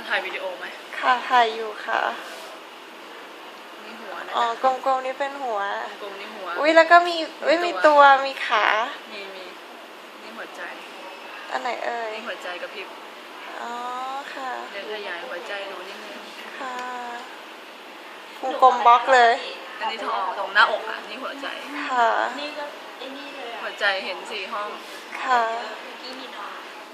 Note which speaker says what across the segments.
Speaker 1: ถ่ายวิดีโอไหม
Speaker 2: ค่ะถ่ายอยู่ค่ะ
Speaker 1: นี่หัวนะ
Speaker 2: อ๋อกลมๆนี่เป็นหัว
Speaker 1: กลมนี่หัว
Speaker 2: อุ้ยแล้วก็มีมีตัวมีขา
Speaker 1: มีนี่หัวใจ
Speaker 2: อันไหนเอ่ย
Speaker 1: นี่หัวใจกับพริบ
Speaker 2: อ๋อค่ะ
Speaker 1: เดี๋ยวขยายหัวใจหนูนิดนึง
Speaker 2: ค่ะวงกลมบล็อกเลย
Speaker 1: อันนี้ท้องตรงหน้าอกอ่ะนี่หัวใจ
Speaker 2: ค่ะ
Speaker 3: นี่ก็ไอ้นี่เลย
Speaker 1: หัวใจเห็น4 ห้อง
Speaker 2: ค่ะ
Speaker 3: กี่มีนอน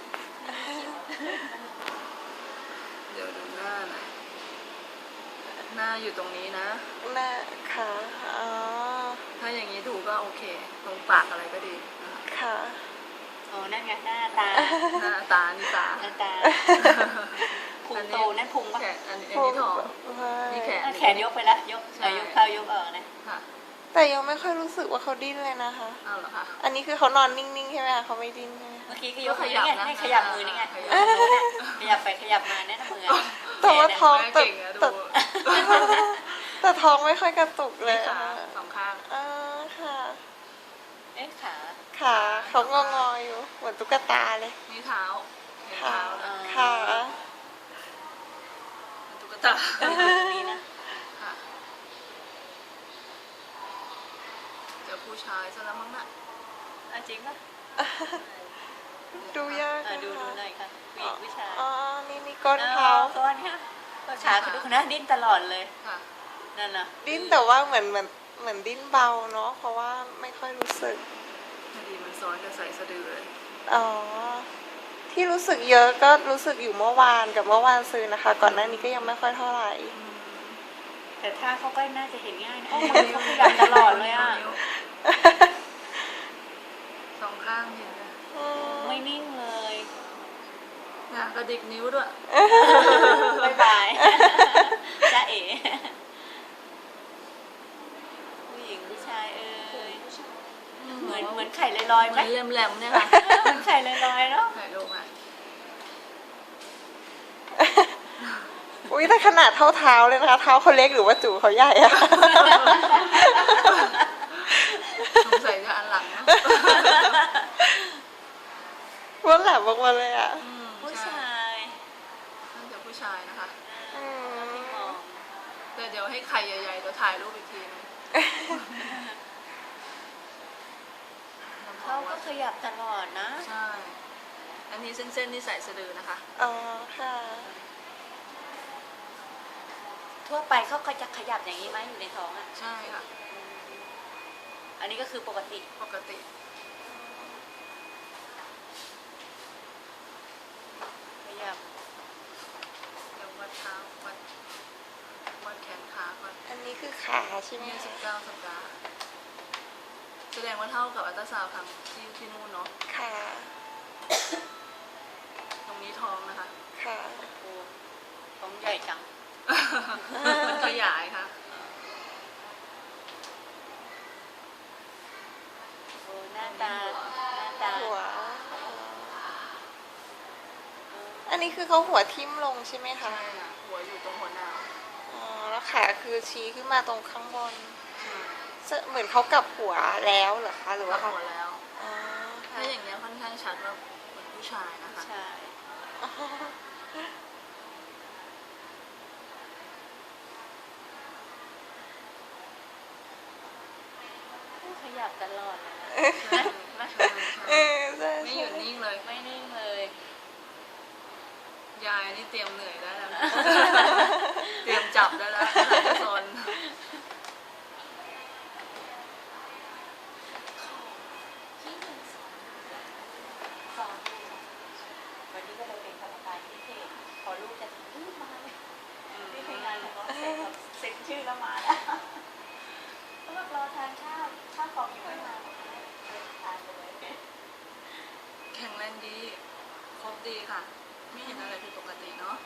Speaker 1: เดี๋ยวดูหน้าหน่อยหน้าอยู่ตรงนี้นะ
Speaker 2: หน้าค่ะอ๋อ
Speaker 1: ถ้าอย่างนี้ถูกก็โอเคตรงปากอะไรก็ดีนะคะ
Speaker 2: ค่ะ
Speaker 3: โอ้นั่นไงหน้าตา
Speaker 1: หน้าตานี่ตา
Speaker 3: หน้าตาพุงโตนั่นพุงปะ
Speaker 1: อันนี้ท้องนี่
Speaker 3: แขนยกไปละยกยกเข้ายกออกนะ
Speaker 2: แต่ยังไม่ค่อยรู้สึกว่าเขาดิ้นเลยนะคะ
Speaker 1: อ้าวเหรอคะ
Speaker 2: อันนี้คือเขานอนนิ่งๆใช่ไหมคะเขาไม่ดิ้นใช่ไหม
Speaker 3: เมื่อกี้ก็ยกขยับนะให้ขยับมือนี่ไงขยับไปขยับมาแน่นมือ
Speaker 2: แต่ว่าท้องแต่ท้องไม่ค่อยกระตุกเลย
Speaker 1: ค่ะ2 ข้าง
Speaker 2: ค่ะ
Speaker 3: เอ๊ะ
Speaker 2: ขาเขางออยู่เหมือนตุ๊กตาเลย
Speaker 1: นี่เท้า
Speaker 2: ค่ะ
Speaker 1: ตุ๊กตา
Speaker 3: นี่นะ
Speaker 1: เจอผู้ชายซะแล้วมั้งน่ะ
Speaker 3: จริงปะ
Speaker 2: ดูยาก
Speaker 3: ดูหน่อยค่ะผู้ชาย
Speaker 2: นี่ก้นเขา
Speaker 3: ก้นค่ะขาคือดูนะดิ้นตลอดเลยนั่นนะ
Speaker 2: ดิ้นแต่ว่าเหมือนดิ้นเบาเนาะเพราะว่าไม่ค่อยรู้สึก
Speaker 1: พอดีมันซ้อนกับใส่สะดือเลย
Speaker 2: ที่รู้สึกเยอะก็รู้สึกอยู่เมื่อวานกับเมื่อวานซื้อนะคะก่อนหน้านี้ก็ยังไม่ค่อยเท่าไหร่
Speaker 3: แต่ถ้าเขาก็น่าจะเห็นง่ายนะมือเขาขยับตลอดเลยอ่ะ
Speaker 1: 2 ข้างเห็นไหม
Speaker 3: ไม่นิ่งเลย
Speaker 1: กระดิกนิ้วด้วย
Speaker 3: บายบายจ้าเอ๋ผู้หญิงผู้ชายเหมือนไข่ลอยๆไหม
Speaker 1: แหลมๆเนี่ยค่ะ
Speaker 3: เหมือนไข่ลอยๆเนาะ
Speaker 1: ไข่ลงอ่ะ
Speaker 2: อุ้ยแต่ขนาดเท่าเท้าเลยนะคะเท้าเขาเล็กหรือว่าจูเขาใหญ่อะ
Speaker 1: สงสัยจะอันหลังนะ
Speaker 2: ว่าแหลมมากๆเลยอะ
Speaker 3: ผู้ชาย
Speaker 1: น่าจะผู้ชายนะคะแต่เดี๋ยวให้ไข่ใหญ่ๆเดี๋ยวถ่ายรูปอีกทีนึง
Speaker 3: เขาก็ขยับตลอดนะ
Speaker 1: ใช่อันนี้เส้นๆนี่ใส่สะดือนะคะ
Speaker 2: ค่ะ
Speaker 3: ทั่วไปเขาก็จะขยับอย่างนี้ไหมอยู่ในท้องอ่ะ
Speaker 1: ใช่ค่ะ
Speaker 3: อันนี้ก็คือปกติขยับ
Speaker 1: เดี๋ยววัดเท้าวัดแขนขาก่อน
Speaker 2: อันนี้คือขาใช่ไหม
Speaker 1: 29 สัปดาห์แสดงว่าเท่ากับอัลตราซาวด์ทำที่นู่นเนาะ
Speaker 2: ค่ะ
Speaker 1: ตรงนี้ท้องนะคะ
Speaker 2: ค่ะ
Speaker 3: ท้องใหญ่จัง
Speaker 1: มันขยายค่ะ
Speaker 3: หน้าตา
Speaker 2: หัวอันนี้คือเขาหัวทิ่มลงใช่ไหมคะ
Speaker 1: ใช่ค่ะหัวอยู่ตรงหัวหน้า
Speaker 2: แล้วขาคือชี้ขึ้นมาตรงข้างบนเหมือนเขากลับหัวแล้วเหรอคะหรือว่า
Speaker 1: หัวแล้วถ้าอย่างเงี้ยค่อนข้างชัดว่าเป็นผู้ชายนะคะ
Speaker 3: ใช่ขยับตลอดเลย
Speaker 1: ไม่หยุดนิ่งเลย
Speaker 3: ไม่นิ่งเลย
Speaker 1: ยายนี่เตรียมเหนื่อยได้แล้วเตรียมจับได้แล้วหลายโซน
Speaker 3: วันนี้ก็เลยเป็นกรรมการพิเศษพอลูกจะถึงมาเลยที่ทำงานแล้วก็เซ็นชื่อแล้วมาแล้วก็แบบรอทานข้าวของอยู่ไม่มาทานไปเลย
Speaker 1: แข็งแรงดีครบดีค่ะไม่เห็นอะไรผิดปกติเนาะ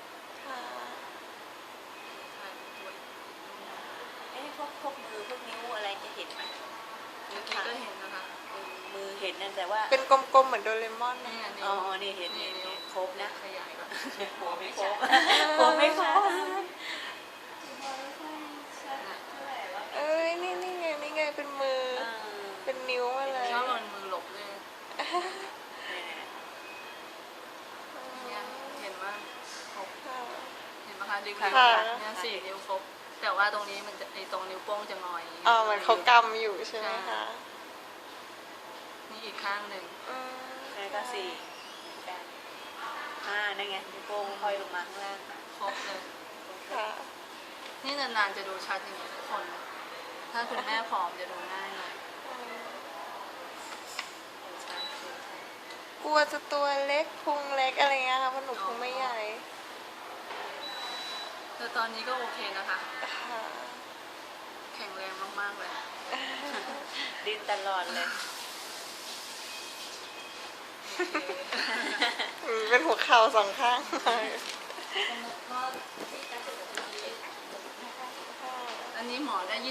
Speaker 3: พวกมือพวกนิ้วอะไรจะเห็นไหม
Speaker 1: เมื่อกี้ก็เห็นนะคะ
Speaker 3: มือเห็นนั่นแต่ว่า
Speaker 2: เป็นกลมๆเหมือนโดเรมอน
Speaker 1: นี่
Speaker 3: นี่เห็นครบนะ
Speaker 1: ขยายก่อน
Speaker 3: หัวไม่ครบหัวไม่ครบ
Speaker 2: นี่ไงเป็นมือเป็นนิ้วมาเลย
Speaker 1: ชอบมันมือหลบเลยเห็นว่าครบคะนิ้ว
Speaker 2: ค่ะ
Speaker 1: เนี่ย4 นิ้วครบ แต่ว่าตรงนี้มันจะไอตรงนิ้วโป้งจะงอย
Speaker 2: เหมือนเขากำอยู่ใช่ไหมคะ
Speaker 1: นี่อีกข้างหนึ่ง
Speaker 2: อืม
Speaker 3: แล้วก็4 8 5นั่นไงนิ้วโป้งห้อยลงมาข้างล่าง
Speaker 1: ครบเลย
Speaker 2: ค่ะ
Speaker 1: นี่นานๆจะดูชัดอย่างนี้ทุกคน ถ้าคุณแม่ผอมจะดูง่ายหน่อยใช่ใช่ใช่
Speaker 2: กลัวจะตัวเล็กพุงเล็กอะไรเงี้ยค่ะเพราะหนูพุงไม่ใหญ่
Speaker 1: แต่ตอนนี้ก็โอเคนะคะ
Speaker 2: ค่ะ
Speaker 1: แข็งแรงมากๆเลย
Speaker 3: ดิ้นตลอดเลย
Speaker 2: เป็นหัวเข่าสองข้าง
Speaker 1: อันนี้หมอได้